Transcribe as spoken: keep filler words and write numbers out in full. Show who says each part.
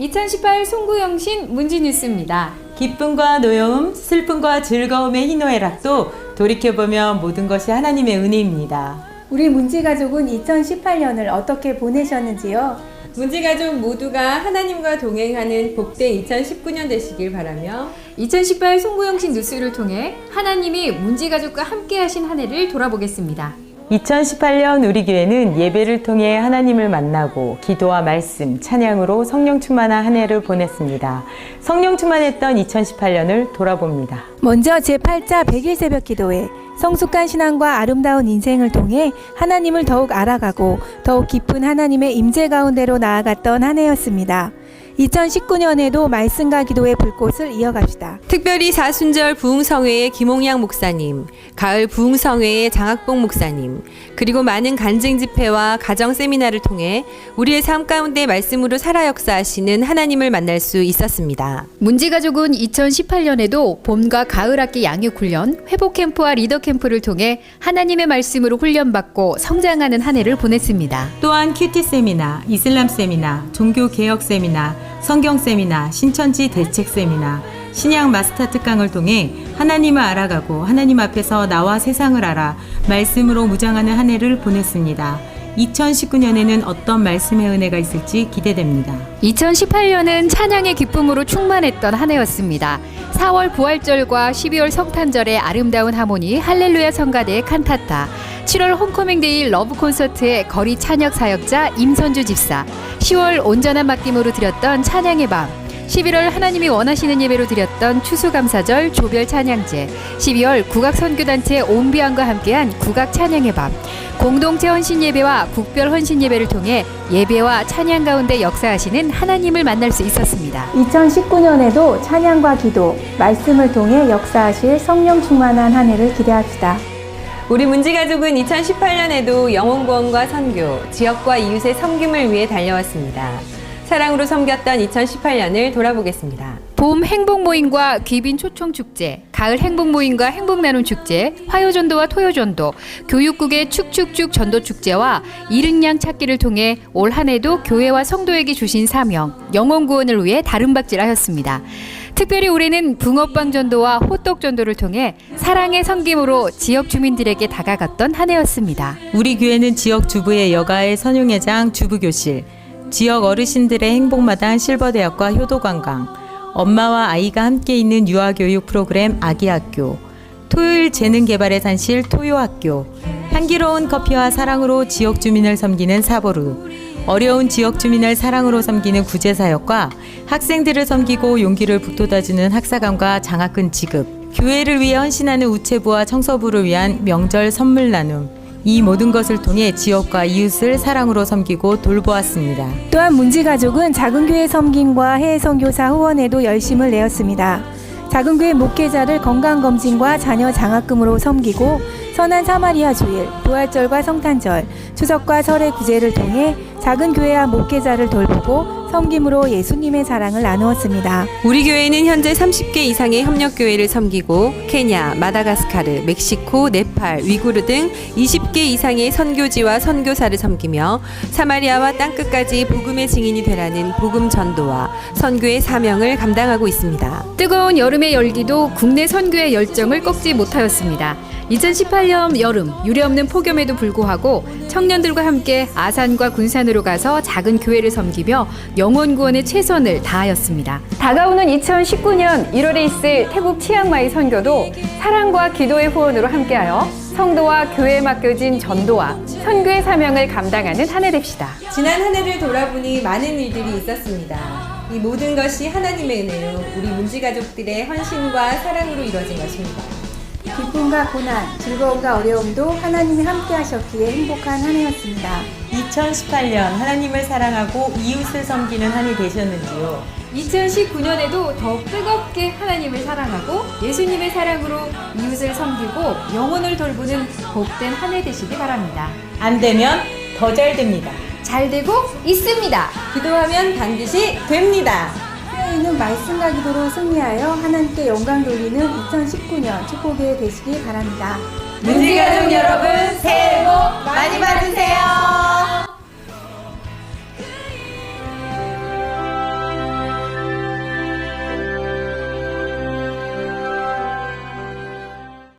Speaker 1: 이천십팔 송구영신 문지뉴스입니다.
Speaker 2: 기쁨과 노여움, 슬픔과 즐거움의 희노애락도 돌이켜보면 모든 것이 하나님의 은혜입니다.
Speaker 3: 우리 문지가족은 이천십팔 년을 어떻게 보내셨는지요?
Speaker 4: 문지가족 모두가 하나님과 동행하는 복된 이천십구 년 되시길 바라며
Speaker 1: 이천십팔 송구영신 뉴스를 통해 하나님이 문지가족과 함께 하신 한 해를 돌아보겠습니다.
Speaker 2: 이천십팔 년 우리 교회는 예배를 통해 하나님을 만나고 기도와 말씀, 찬양으로 성령 충만한 한 해를 보냈습니다. 성령 충만했던 이천십팔 년을 돌아봅니다.
Speaker 3: 먼저 제팔 자 백일 새벽 기도회, 성숙한 신앙과 아름다운 인생을 통해 하나님을 더욱 알아가고 더욱 깊은 하나님의 임재 가운데로 나아갔던 한 해였습니다. 이천십구 년에도 말씀과 기도의 불꽃을 이어갑시다.
Speaker 4: 특별히 사순절 부흥성회의 김홍양 목사님, 가을 부흥성회의 장학봉 목사님, 그리고 많은 간증 집회와 가정 세미나를 통해 우리의 삶 가운데 말씀으로 살아 역사하시는 하나님을 만날 수 있었습니다.
Speaker 1: 문지가족은 이천십팔 년에도 봄과 가을 학기 양육 훈련, 회복 캠프와 리더 캠프를 통해 하나님의 말씀으로 훈련받고 성장하는 한 해를 보냈습니다.
Speaker 2: 또한 큐티 세미나, 이슬람 세미나, 종교 개혁 세미나, 성경 세미나, 신천지 대책 세미나, 신약 마스터 특강을 통해 하나님을 알아가고 하나님 앞에서 나와 세상을 알아 말씀으로 무장하는 한 해를 보냈습니다. 이천십구 년에는 어떤 말씀의 은혜가 있을지 기대됩니다.
Speaker 1: 이천십팔 년은 찬양의 기쁨으로 충만했던 한 해였습니다. 사월 부활절과 십이월 성탄절의 아름다운 하모니 할렐루야 성가대의 칸타타, 칠월 홈커밍데이 러브 콘서트의 거리 찬양 사역자 임선주 집사, 시월 온전한 맡김으로 드렸던 찬양의 밤, 십일월 하나님이 원하시는 예배로 드렸던 추수감사절 조별 찬양제, 십이월 국악선교단체 온비안과 함께한 국악 찬양의 밤, 공동체 헌신 예배와 국별 헌신 예배를 통해 예배와 찬양 가운데 역사하시는 하나님을 만날 수 있었습니다.
Speaker 3: 이천십구 년에도 찬양과 기도, 말씀을 통해 역사하실 성령 충만한 한 해를 기대합시다.
Speaker 4: 우리 문지가족은 이천십팔 년에도 영혼구원과 선교, 지역과 이웃의 섬김을 위해 달려왔습니다. 사랑으로 섬겼던 이천십팔 년을 돌아보겠습니다.
Speaker 1: 봄 행복 모임과 귀빈 초청 축제, 가을 행복 모임과 행복 나눔 축제, 화요전도와 토요전도, 교육국의 축축축 전도 축제와 잃은 양 찾기를 통해 올 한 해도 교회와 성도에게 주신 사명, 영혼 구원을 위해 다름박질하였습니다. 특별히 올해는 붕어빵 전도와 호떡 전도를 통해 사랑의 섬김으로 지역 주민들에게 다가갔던 한 해였습니다.
Speaker 2: 우리 교회는 지역 주부의 여가의 선용회장 주부교실, 지역 어르신들의 행복마당 실버대학과 효도관광, 엄마와 아이가 함께 있는 유아교육 프로그램 아기학교, 토요일 재능개발의 산실 토요학교, 향기로운 커피와 사랑으로 지역 주민을 섬기는 사보루, 어려운 지역 주민을 사랑으로 섬기는 구제사역과 학생들을 섬기고 용기를 북돋아주는 학사감과 장학금 지급, 교회를 위해 헌신하는 우체부와 청소부를 위한 명절 선물 나눔, 이 모든 것을 통해 지역과 이웃을 사랑으로 섬기고 돌보았습니다.
Speaker 3: 또한 문지가족은 작은교회 섬김과 해외 선교사 후원에도 열심을 내었습니다. 작은교회 목회자를 건강검진과 자녀 장학금으로 섬기고 선한 사마리아 주일, 부활절과 성탄절, 추석과 설의 구제를 통해 작은 교회와 목회자를 돌보고 섬김으로 예수님의 사랑을 나누었습니다.
Speaker 4: 우리 교회는 현재 삼십 개 이상의 협력교회를 섬기고 케냐, 마다가스카르, 멕시코, 네팔, 위구르 등 이십 개 이상의 선교지와 선교사를 섬기며 사마리아와 땅끝까지 복음의 증인이 되라는 복음 전도와 선교의 사명을 감당하고 있습니다.
Speaker 1: 뜨거운 여름의 열기도 국내 선교의 열정을 꺾지 못하였습니다. 이천십팔 년 여름 유례없는 폭염에도 불구하고 청년들과 함께 아산과 군산으로 가서 작은 교회를 섬기며 영혼 구원에 최선을 다하였습니다. 다가오는 이천십구 년 일월에 있을 태국 치앙마이 선교도 사랑과 기도의 후원으로 함께하여 성도와 교회에 맡겨진 전도와 선교의 사명을 감당하는 한 해 됩시다.
Speaker 4: 지난 한 해를 돌아보니 많은 일들이 있었습니다. 이 모든 것이 하나님의 은혜로 우리 문지가족들의 헌신과 사랑으로 이루어진 것입니다.
Speaker 3: 기쁨과 고난, 즐거움과 어려움도 하나님이 함께 하셨기에 행복한 한 해였습니다.
Speaker 2: 이천십팔 년 하나님을 사랑하고 이웃을 섬기는 한 해 되셨는지요?
Speaker 1: 이천십구 년에도 더 뜨겁게 하나님을 사랑하고 예수님의 사랑으로 이웃을 섬기고 영혼을 돌보는 복된 한 해 되시기 바랍니다.
Speaker 2: 안 되면 더 잘 됩니다.
Speaker 1: 잘 되고 있습니다.
Speaker 4: 기도하면 반드시 됩니다.
Speaker 3: 새해에는 말씀과 기도로 승리하여 하나님께 영광 돌리는 이천십구 년 축복이 되시기 바랍니다.
Speaker 4: 문지가족 여러분, 새해